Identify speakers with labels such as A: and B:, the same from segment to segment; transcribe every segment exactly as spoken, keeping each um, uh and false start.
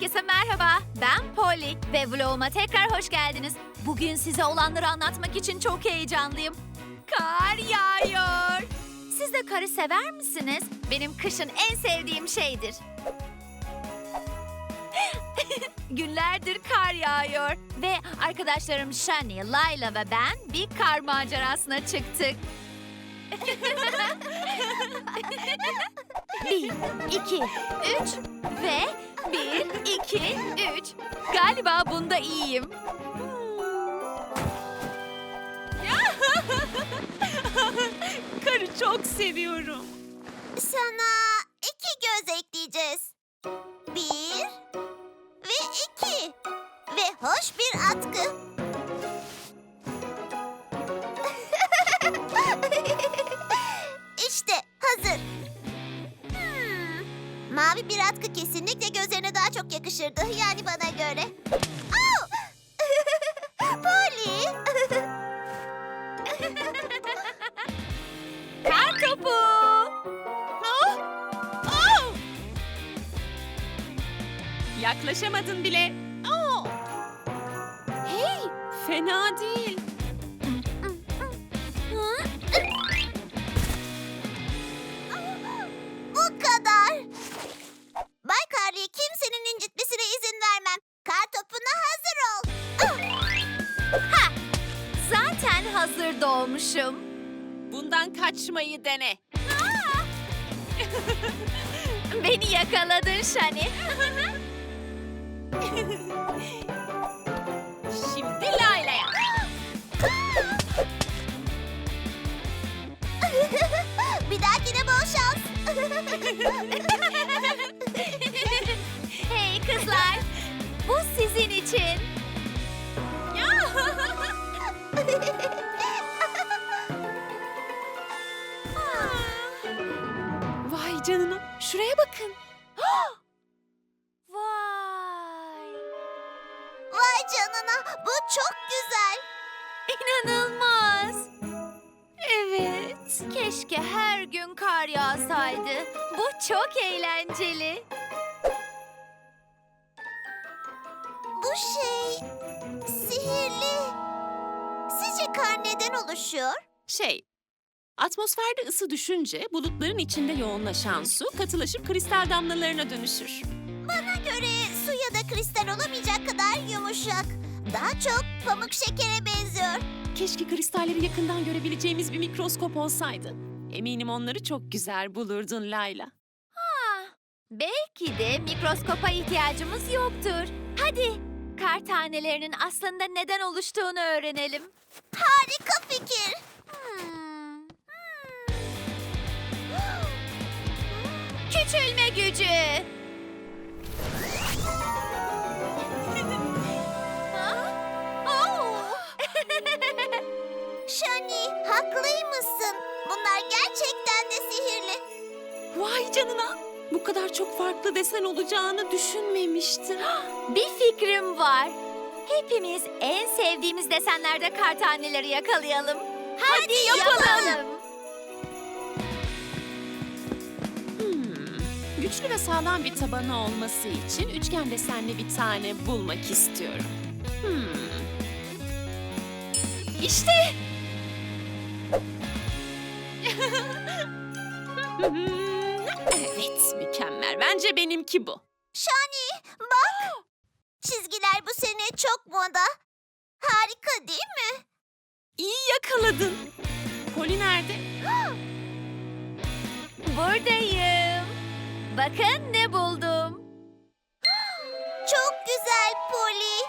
A: Herkese merhaba, ben Polly ve vloguma tekrar hoş geldiniz. Bugün size olanları anlatmak için çok heyecanlıyım. Kar yağıyor. Siz de karı sever misiniz? Benim kışın en sevdiğim şeydir. Günlerdir kar yağıyor ve arkadaşlarım Shani, Layla ve ben bir kar macerasına çıktık. Bir, iki, üç ve bir, iki, üç. Galiba bunda iyiyim.
B: Karı çok seviyorum.
C: Sana iki göz ekleyeceğiz. Bir ve iki. Ve hoş bir atkı. İşte hazır. Hmm, mavi bir atkı kesinlikle gözlerine daha çok yakışırdı. Yani bana göre. Oh! Polly!
A: Kar topu.
B: Oh! Oh! Yaklaşamadın bile. Oh! Hey, fena değil.
C: Bu kadar. Bay Karlı'yı kimsenin incitmesine izin vermem. Kar topuna hazır ol.
A: Ha! Zaten hazır doğmuşum.
B: Bundan kaçmayı dene.
A: Beni yakaladın Shani.
B: Şimdi Layla'ya.
C: Bir dahakine bol şans.
A: Hey kızlar, bu sizin için.
B: Vay canına, şuraya bakın.
A: Vay!
C: Vay canına, bu çok güzel.
A: İnanılmaz. Evet, keşke her gün kar yağsaydı. Bu çok eğlenceli.
C: Bu şey sihirli. Sizce kar neden oluşuyor?
B: Şey, atmosferde ısı düşünce bulutların içinde yoğunlaşan su katılaşıp kristal damlalarına dönüşür.
C: Bana göre su ya da kristal olamayacak kadar yumuşak. Daha çok pamuk şekere benziyor.
B: Keşke kristalleri yakından görebileceğimiz bir mikroskop olsaydı. Eminim onları çok güzel bulurdun Layla.
A: Belki de mikroskopa ihtiyacımız yoktur. Hadi, kar tanelerinin aslında neden oluştuğunu öğrenelim.
C: Harika fikir.
A: Hmm. Küçülme gücü. Ha? Oh!
C: Shani, haklıymışsın. Bunlar gerçekten de sihirli.
B: Vay canına! Bu kadar çok farklı desen olacağını düşünmemiştim.
A: Bir fikrim var. Hepimiz en sevdiğimiz desenlerde kar taneleri yakalayalım. Hadi, yapalım.
B: Hmm, güçlü ve sağlam bir tabanı olması için üçgen desenli bir tane bulmak istiyorum. Hmm. İşte! Evet, mükemmel. Bence benimki bu.
C: Shani, bak. Çizgiler bu sene çok moda. Harika değil mi?
B: İyi yakaladın. Poli nerede?
A: Buradayım. Bakın ne buldum.
C: Çok güzel Polly.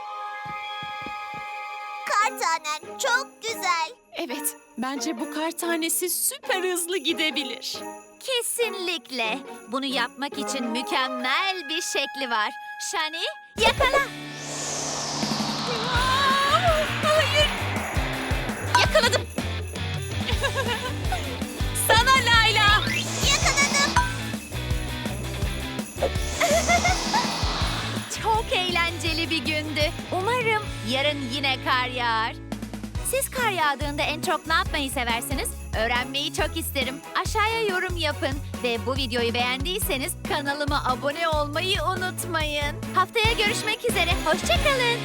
C: Kar tanen çok güzel.
B: Evet, bence bu kar tanesi süper hızlı gidebilir.
A: Kesinlikle. Bunu yapmak için mükemmel bir şekli var. Shani, yakala.
B: Hayır! Yakaladım. Sana Layla.
C: Yakaladım.
A: Çok eğlenceli bir gündü. Umarım yarın yine kar yağar. Siz kar yağdığında en çok ne yapmayı seversiniz? Öğrenmeyi çok isterim. Aşağıya yorum yapın ve bu videoyu beğendiyseniz kanalıma abone olmayı unutmayın. Haftaya görüşmek üzere. Hoşçakalın.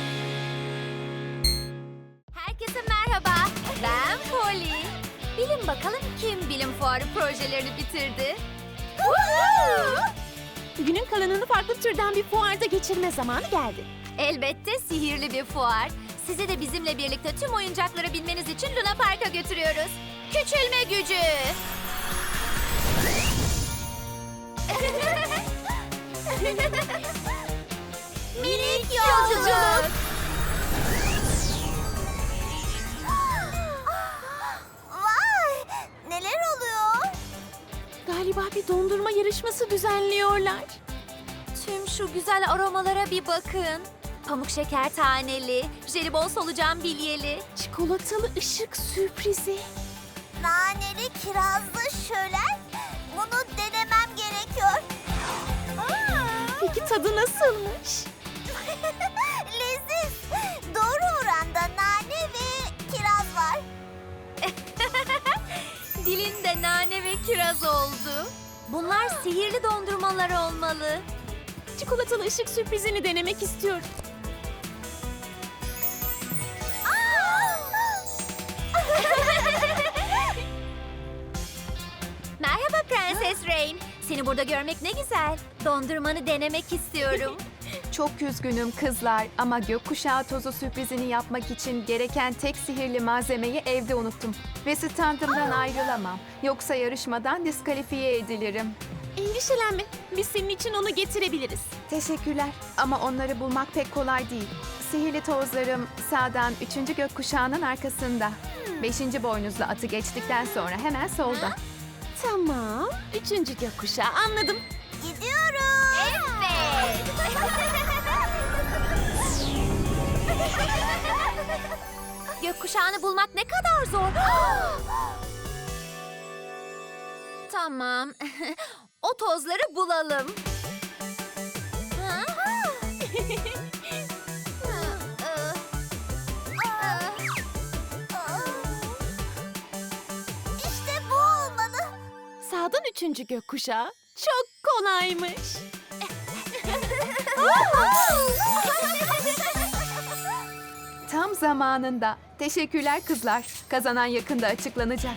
A: Herkese merhaba. Ben Polly. Bilin bakalım kim bilim fuarı projelerini bitirdi?
B: Günün kalanını farklı türden bir fuarda geçirme zamanı geldi.
A: Elbette sihirli bir fuar. Sizi de bizimle birlikte tüm oyuncakları bilmeniz için Luna Park'a götürüyoruz. Küçülme gücü. Minik yolculuk.
C: Vay! Neler oluyor?
B: Galiba bir dondurma yarışması düzenliyorlar.
A: Tüm şu güzel aromalara bir bakın. Pamuk şeker taneli, jelibon solucan bilyeli.
B: Çikolatalı ışık sürprizi.
C: Naneli kirazlı şölen. Bunu denemem gerekiyor.
B: Peki tadı nasılmış?
C: Leziz. Doğru oranda nane ve kiraz var.
A: Dilinde nane ve kiraz oldu. Bunlar sihirli dondurmalar olmalı.
B: Çikolatalı ışık sürprizini denemek istiyorum.
A: Merhaba Prenses Rain. Seni burada görmek ne güzel. Dondurmanı denemek istiyorum.
D: Çok üzgünüm kızlar ama gökkuşağı tozu sürprizini yapmak için gereken tek sihirli malzemeyi evde unuttum. Ve standımdan ayrılamam. Yoksa yarışmadan diskalifiye edilirim.
B: Endişelenme. Biz senin için onu getirebiliriz.
D: Teşekkürler ama onları bulmak pek kolay değil. Sihirli tozlarım sağdan üçüncü gökkuşağının arkasında. Beşinci boynuzlu atı geçtikten sonra hemen solda.
B: Tamam. Üçüncü gökkuşağı anladım.
C: Gidiyorum.
A: Evet. Gökkuşağını bulmak ne kadar zor. Tamam. O tozları bulalım. Ha?
C: İşte bu olmalı.
B: Sağdan üçüncü gökkuşağı. Çok kolaymış.
D: Tam zamanında. Teşekkürler kızlar. Kazanan yakında açıklanacak.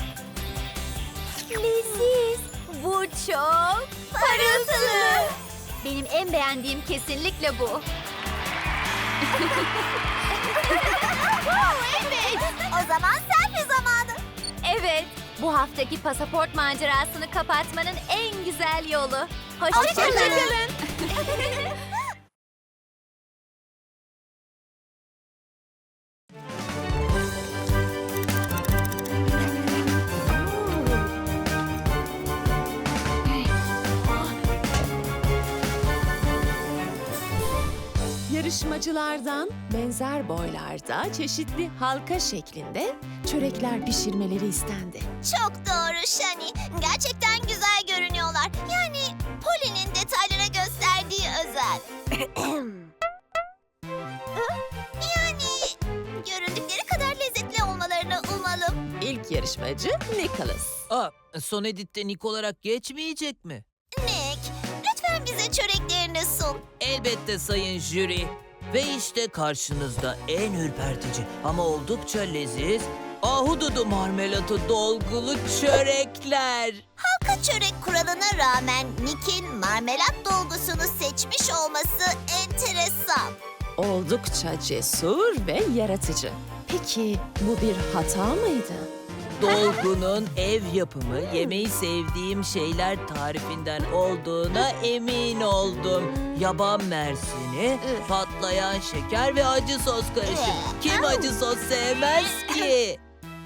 A: Leziz. Bu çok parıltılı. Benim en beğendiğim kesinlikle bu.
C: Evet. O zaman selfie zamanı.
A: Evet, bu haftaki pasaport macerasını kapatmanın en güzel yolu. Hoşçakalın.
C: Hoşçakalın.
B: Yarışmacılardan benzer boylarda çeşitli halka şeklinde çörekler pişirmeleri istendi.
C: Çok doğru Shani. Gerçekten güzel görünüyorlar. Yani Polly'nin detaylara gösterdiği özel. Yani göründükleri kadar lezzetli olmalarını umalım.
B: İlk yarışmacı Nicholas.
E: Aa, son editte Nick olarak geçmeyecek mi?
C: Nick, lütfen bize çöreklerini sun.
E: Elbette sayın jüri. Ve işte karşınızda en ürpertici ama oldukça leziz ahududu marmelatı dolgulu çörekler.
C: Halka çörek kuralına rağmen Nick'in marmelat dolgusunu seçmiş olması enteresan.
B: Oldukça cesur ve yaratıcı. Peki bu bir hata mıydı?
E: Dolgunun ev yapımı, yemeği sevdiğim şeyler tarifinden olduğuna emin oldum. Yaban mersini, patlayan şeker ve acı sos karışımı. Kim acı sos sevmez ki?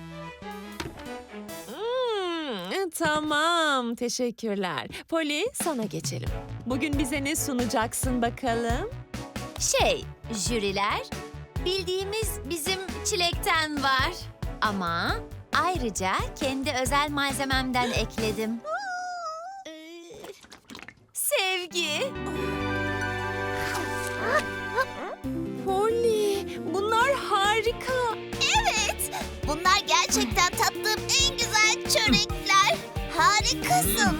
B: Hmm, tamam, teşekkürler. Polly, sana geçelim. Bugün bize ne sunacaksın bakalım?
A: Şey, jüriler, bildiğimiz bizim çilekten var. Ama ayrıca kendi özel malzememden ekledim. Sevgi.
B: Polly, bunlar harika.
C: Evet, bunlar gerçekten tattığım en güzel Harikasın.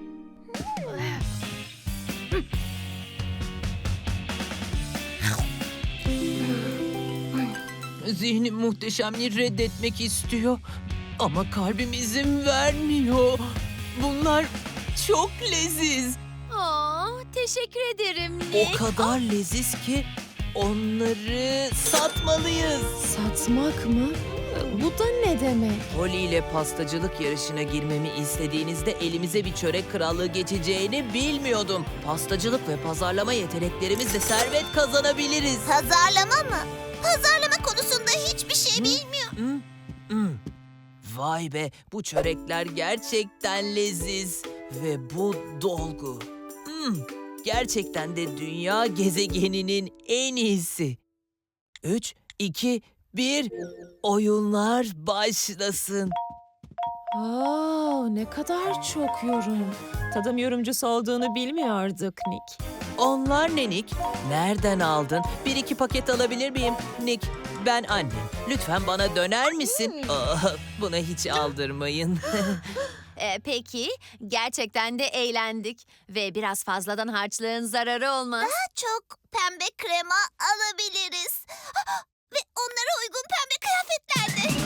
E: Zihnim muhteşemliği reddetmek istiyor. Ama kalbim izin vermiyor. Bunlar çok leziz.
A: Aa, teşekkür ederim
E: O
A: Nick.
E: kadar leziz ki onları satmalıyız.
B: Satmak mı? Bu da ne demek?
E: Holly ile pastacılık yarışına girmemi istediğinizde elimize bir çörek krallığı geçeceğini bilmiyordum. Pastacılık ve pazarlama yeteneklerimizle servet kazanabiliriz.
C: Pazarlama mı? Pazarlama konusunda hiçbir şey bilmiyor.
E: Hmm, hmm. Vay be, bu çörekler gerçekten leziz. Ve bu dolgu. Hmm, gerçekten de dünya gezegeninin en iyisi. Üç, iki, bir, oyunlar başlasın.
B: Aa, ne kadar çok yorum. Tadım yorumcusu olduğunu bilmiyorduk Nick.
E: Onlar ne Nick? Nereden aldın? Bir iki paket alabilir miyim? Nick, ben annem. Lütfen bana döner misin? Aa, buna hiç aldırmayın.
A: Ee, peki, gerçekten de eğlendik. Ve biraz fazladan harçlığın zararı olmaz.
C: Çok pembe krema alabiliriz. Ve onlara uygun pembe kıyafetlerde.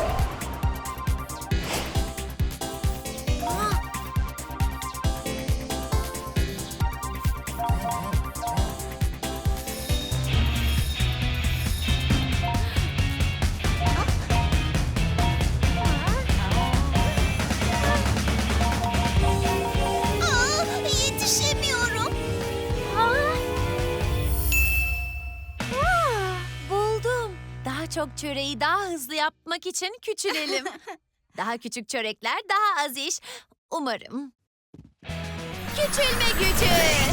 C: Aa, yetişemiyorum.
A: Buldum. Daha çok çöreği daha hızlı yapmak için küçülelim. Daha küçük çörekler daha az iş. Umarım. Küçülme gücü.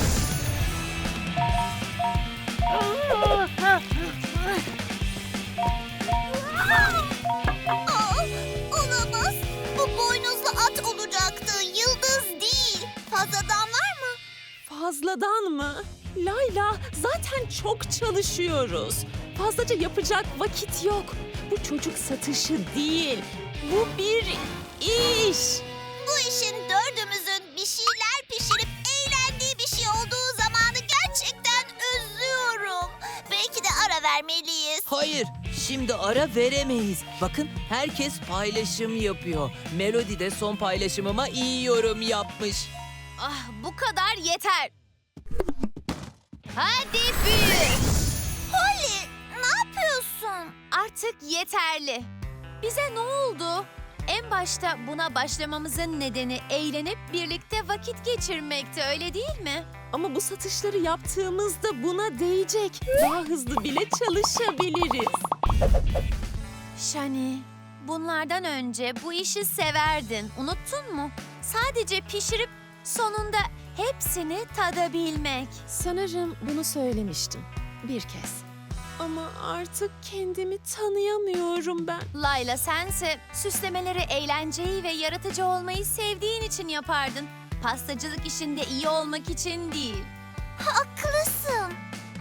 C: Aa, olamaz. Bu boynuzlu at olacaktı. Yıldız değil. Fazladan var mı?
B: Fazladan mı? Layla, zaten çok çalışıyoruz. Fazlaca yapacak vakit yok. Bu çocuk satışı değil. Bu bir iş.
C: Bu işin dördümüzün bir şeyler pişirip eğlendiği bir şey olduğu zamanı gerçekten özlüyorum. Belki de ara vermeliyiz.
E: Hayır, şimdi ara veremeyiz. Bakın, herkes paylaşım yapıyor. Melody de son paylaşımıma iyi yorum yapmış.
A: Ah, bu kadar yeter. Hadi büyü.
C: Holly, ne yapıyorsun?
A: Artık yeterli. Bize ne oldu? En başta buna başlamamızın nedeni eğlenip birlikte vakit geçirmekti, öyle değil mi?
B: Ama bu satışları yaptığımızda buna değecek. Daha hızlı bile çalışabiliriz.
A: Shani, bunlardan önce bu işi severdin, unuttun mu? Sadece pişirip sonunda hepsini tadabilmek.
B: Sanırım bunu söylemiştim. Bir kez. Ama artık kendimi tanıyamıyorum ben.
A: Layla, sense süslemeleri eğlenceyi ve yaratıcı olmayı sevdiğin için yapardın. Pastacılık işinde iyi olmak için değil.
C: Haklısın.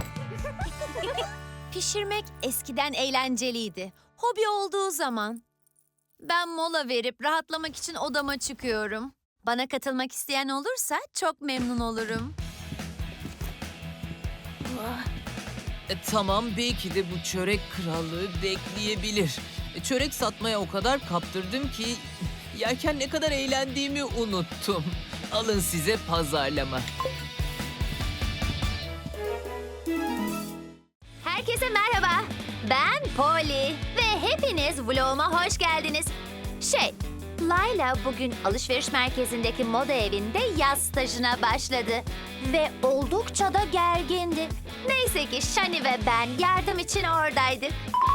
A: Pişirmek eskiden eğlenceliydi. Hobi olduğu zaman. Ben mola verip rahatlamak için odama çıkıyorum. Bana katılmak isteyen olursa çok memnun olurum.
E: E, tamam, belki de bu çörek krallığı bekleyebilir. E, çörek satmaya o kadar kaptırdım ki yerken ne kadar eğlendiğimi unuttum. Alın size pazarlama.
A: Herkese merhaba. Ben Polly ve hepiniz vloguma hoş geldiniz. Şey, Layla bugün alışveriş merkezindeki moda evinde yaz stajına başladı. Ve oldukça da gergindi. Neyse ki Shani ve ben yardım için oradaydık.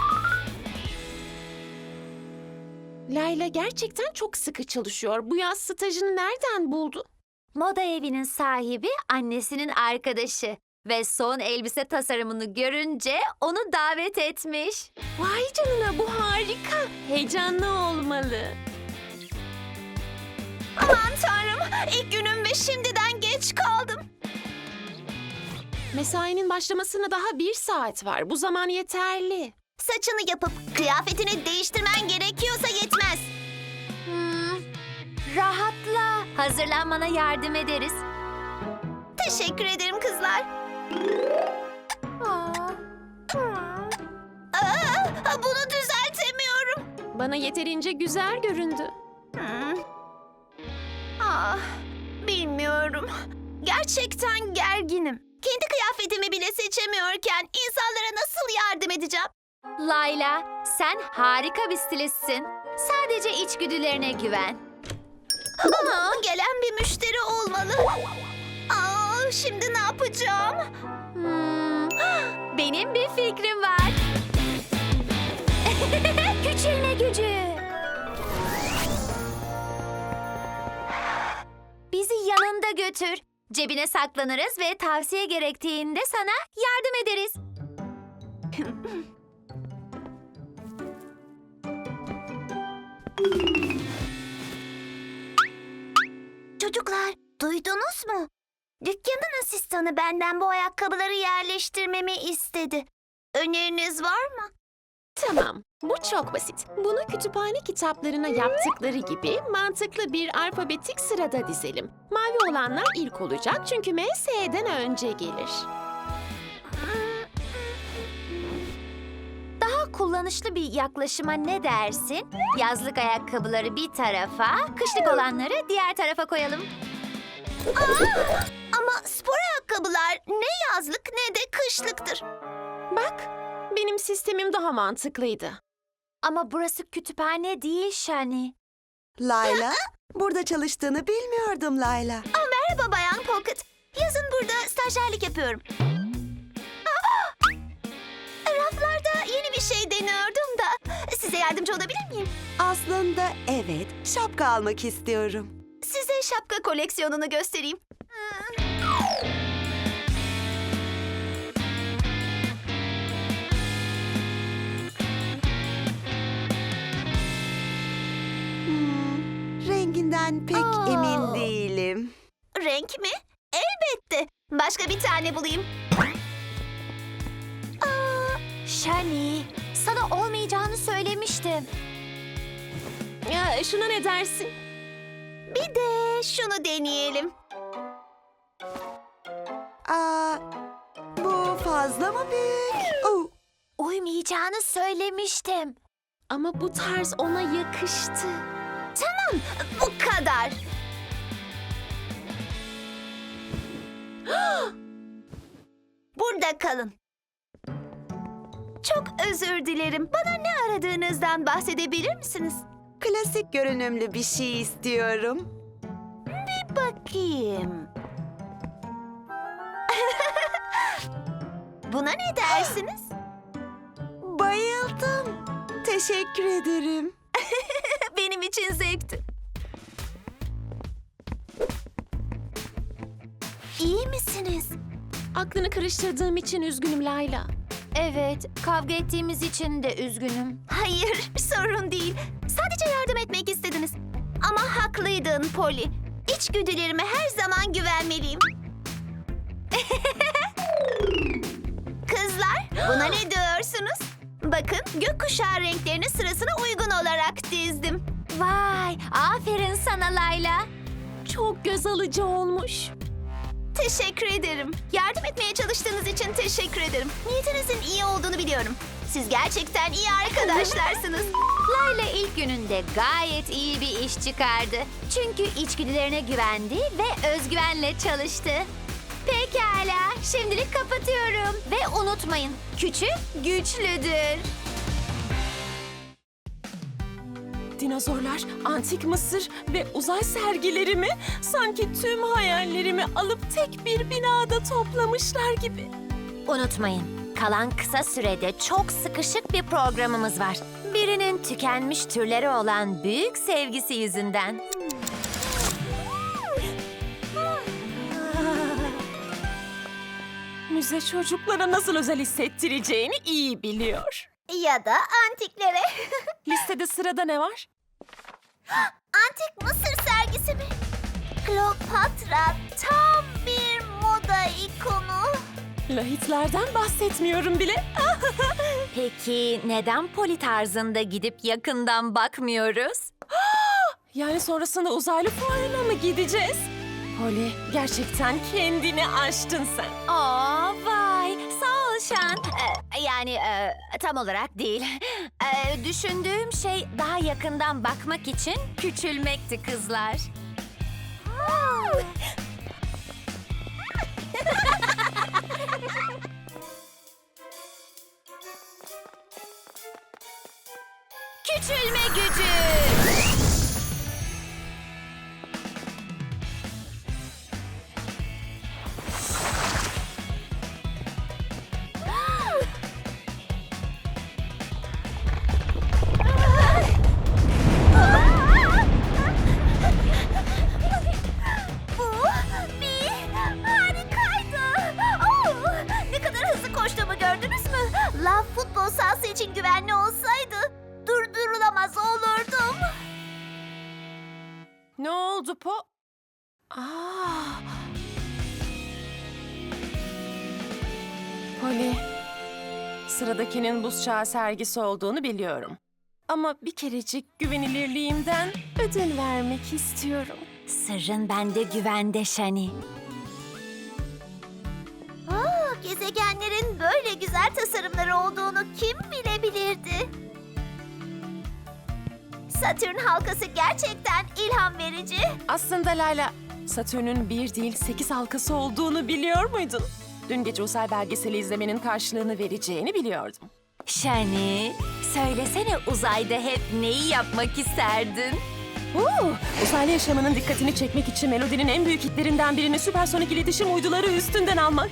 B: Layla gerçekten çok sıkı çalışıyor. Bu yaz stajını nereden buldu?
A: Moda evinin sahibi annesinin arkadaşı. Ve son elbise tasarımını görünce onu davet etmiş.
B: Vay canına, bu harika. Heyecanlı olmalı.
C: Aman tanrım, ilk günüm ve şimdiden geç kaldım.
B: Mesainin başlamasına daha bir saat var. Bu zaman yeterli.
C: Saçını yapıp kıyafetini değiştirmen gerekiyorsa yetmez.
A: Hmm, rahatla. Hazırlanmana yardım ederiz.
C: Teşekkür ederim kızlar. Aa, bunu düzeltemiyorum.
B: Bana yeterince güzel göründü.
C: Hmm. Ah, bilmiyorum. Gerçekten gerginim. Kendi kıyafetimi bile seçemiyorken insanlara nasıl yardım edeceğim?
A: Layla, sen harika bir stilistsin. Sadece içgüdülerine güven.
C: Aa, gelen bir müşteri olmalı. Aa, şimdi ne yapacağım?
A: Hmm, benim bir fikrim var. Küçülme gücü. Bizi yanında götür. Cebine saklanırız ve tavsiye gerektiğinde sana yardım ederiz.
C: Çocuklar, duydunuz mu? Dükkanın asistanı benden bu ayakkabıları yerleştirmemi istedi. Öneriniz var mı?
B: Tamam, bu çok basit. Bunu kütüphane kitaplarına yaptıkları gibi mantıklı bir alfabetik sırada dizelim. Mavi olanlar ilk olacak çünkü M S'den önce gelir.
A: Daha kullanışlı bir yaklaşıma ne dersin? Yazlık ayakkabıları bir tarafa, kışlık olanları diğer tarafa koyalım.
C: Ama spor ayakkabılar ne yazlık ne de kışlıktır.
B: Bak, benim sistemim daha mantıklıydı.
A: Ama burası kütüphane değil Shani.
F: Layla, burada çalıştığını bilmiyordum Layla.
C: Merhaba Bayan Pocket. Yazın burada stajyerlik yapıyorum. Aa! Raflarda yeni bir şey deniyordum da size yardımcı olabilir miyim?
F: Aslında evet, şapka almak istiyorum.
C: Size şapka koleksiyonunu göstereyim.
F: Hmm, renginden pek
C: Aa.
F: emin değilim.
C: Renk mi? Elbette. Başka bir tane bulayım.
A: Shani, sana olmayacağını söylemiştim.
B: Ya, şuna ne dersin?
C: Bir de şunu deneyelim.
F: Aa, bu fazla mı büyük? Oh,
A: Uymayacağını söylemiştim.
B: Ama bu tarz ona yakıştı.
C: Tamam, bu kadar. Burada kalın. Çok özür dilerim. Bana ne aradığınızdan bahsedebilir misiniz?
F: klasik görünümlü bir şey istiyorum.
C: Bakayım. Buna ne dersiniz?
F: Bayıldım. Teşekkür ederim.
C: Benim için zevkti. İyi misiniz?
B: Aklını karıştırdığım için üzgünüm Layla.
A: Evet, kavga ettiğimiz için de üzgünüm.
C: Hayır, sorun değil. Sadece yardım etmek istediniz. Ama haklıydın Polly. İçgüdülerime her zaman güvenmeliyim. Kızlar, buna ne diyorsunuz? Bakın, gökkuşağı renklerini sırasına uygun olarak dizdim.
A: Vay, aferin sana Layla.
B: Çok göz alıcı olmuş.
C: Teşekkür ederim. Yardım etmeye çalıştığınız için teşekkür ederim. Niyetinizin iyi olduğunu biliyorum. Siz gerçekten iyi arkadaşlarsınız.
A: Layla ilk gününde gayet iyi bir iş çıkardı. Çünkü içgüdülerine güvendi ve özgüvenle çalıştı. Pekala, şimdilik kapatıyorum. Ve unutmayın, küçük güçlüdür.
B: Dinozorlar, antik Mısır ve uzay sergilerimi sanki tüm hayallerimi alıp tek bir binada toplamışlar gibi.
A: Unutmayın, kalan kısa sürede çok sıkışık bir programımız var. Birinin tükenmiş türleri olan büyük sevgisi yüzünden.
B: Müze çocuklara nasıl özel hissettireceğini iyi biliyor.
C: Ya da antiklere.
B: Listede sırada ne var?
C: Antik Mısır sergisi mi? Kleopatra tam bir moda ikonu.
B: Lahitlerden bahsetmiyorum bile.
A: Peki neden poli tarzında gidip yakından bakmıyoruz?
B: Yani sonrasında uzaylı fuarına mı gideceğiz. Polly, gerçekten kendini aştın sen.
A: Aa vay, sağ ol Şan. Ee, yani e, tam olarak değil. Ee, düşündüğüm şey daha yakından bakmak için küçülmekti kızlar. Küçülme gücü.
C: Bu bir harikaydı. Oo, ne kadar hızlı koştuğumu gördünüz mü? Lav futbol sahası için güvenli olsaydı durdurulamaz olurdum.
B: Ne oldu Po? Aa. Polly, sıradakinin buz çağı sergisi olduğunu biliyorum. Ama bir kerecik güvenilirliğimden ödün vermek istiyorum.
A: Sırrın bende güvende Şani.
C: Aa, gezegenlerin böyle güzel tasarımları olduğunu kim bilebilirdi? Satürn halkası gerçekten ilham verici.
B: Aslında Layla, Satürn'ün bir değil sekiz halkası olduğunu biliyor muydun? Dün gece uzay belgeseli izlemenin karşılığını vereceğini biliyordum.
A: Şani, söylesene uzayda hep neyi yapmak isterdin?
B: Oo, uzaylı yaşamının dikkatini çekmek için melodinin en büyük hitlerinden birini süpersonik iletişim uyduları üstünden almak.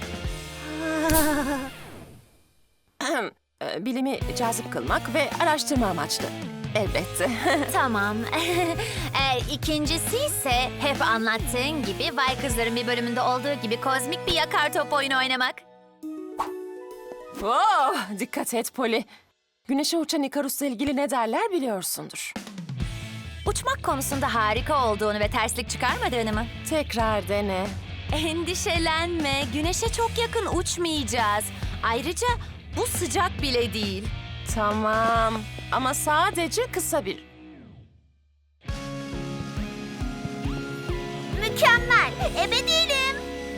B: Ahem, e, Bilimi cazip kılmak ve araştırma amaçlı. Elbette.
A: Tamam. e, ikincisi ise hep anlattığın gibi Vay Kızlar'ın bir bölümünde olduğu gibi kozmik bir yakar top oyunu oynamak.
B: Oh, dikkat et Polly. Güneşe uçan Ikarus'la ilgili ne derler biliyorsundur.
A: Uçmak konusunda harika olduğunu ve terslik çıkarmadığını mı?
B: Tekrar dene.
A: Endişelenme, güneşe çok yakın uçmayacağız. Ayrıca bu sıcak bile değil.
B: Tamam ama sadece kısa bir.
C: Mükemmel. Ebe değilim.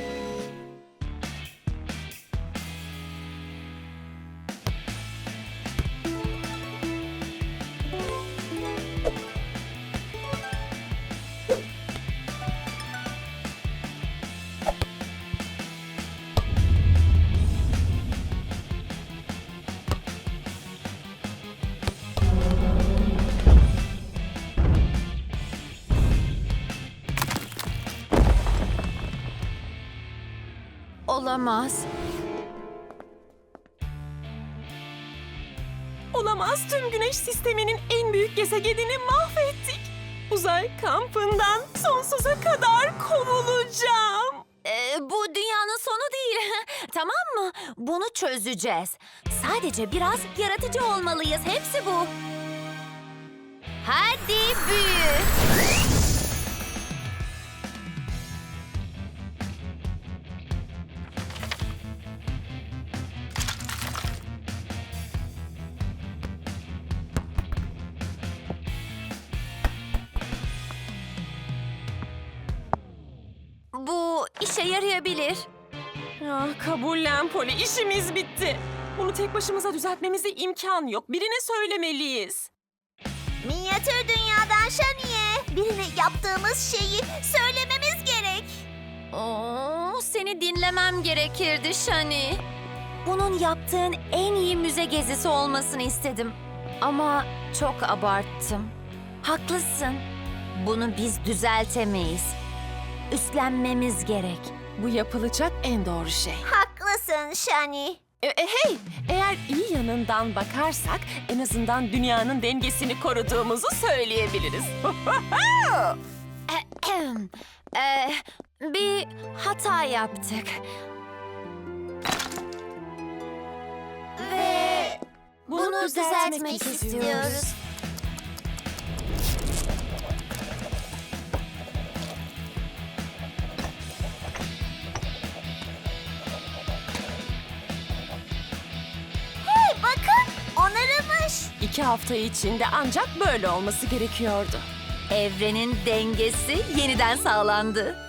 A: Olamaz.
B: Olamaz, tüm güneş sisteminin en büyük gezegenini mahvettik. Uzay kampından sonsuza kadar kovulacağım.
A: Ee, bu dünyanın sonu değil. Tamam mı? Bunu çözeceğiz. Sadece biraz yaratıcı olmalıyız. Hepsi bu. Hadi büyü. Bu işe yarayabilir.
B: Ah, kabullen Polly, işimiz bitti. Bunu tek başımıza düzeltmemize imkan yok. Birine söylemeliyiz.
C: Minyatür dünyadan Şani'ye birine yaptığımız şeyi söylememiz gerek.
A: Oo, seni dinlemem gerekirdi Şani. Bunun yaptığın en iyi müze gezisi olmasını istedim. Ama çok abarttım. Haklısın. Bunu biz düzeltemeyiz. Üstlenmemiz gerek.
B: Bu yapılacak en doğru şey.
C: Haklısın Şani.
B: E, e, hey, eğer iyi yanından bakarsak en azından dünyanın dengesini koruduğumuzu söyleyebiliriz.
A: Ahem. Ee, bir hata yaptık.
C: Ve
B: Bunu,
C: bunu düzeltmek istiyoruz. Hey bakın onarılmış.
B: İki hafta içinde ancak böyle olması gerekiyordu.
A: Evrenin dengesi yeniden sağlandı.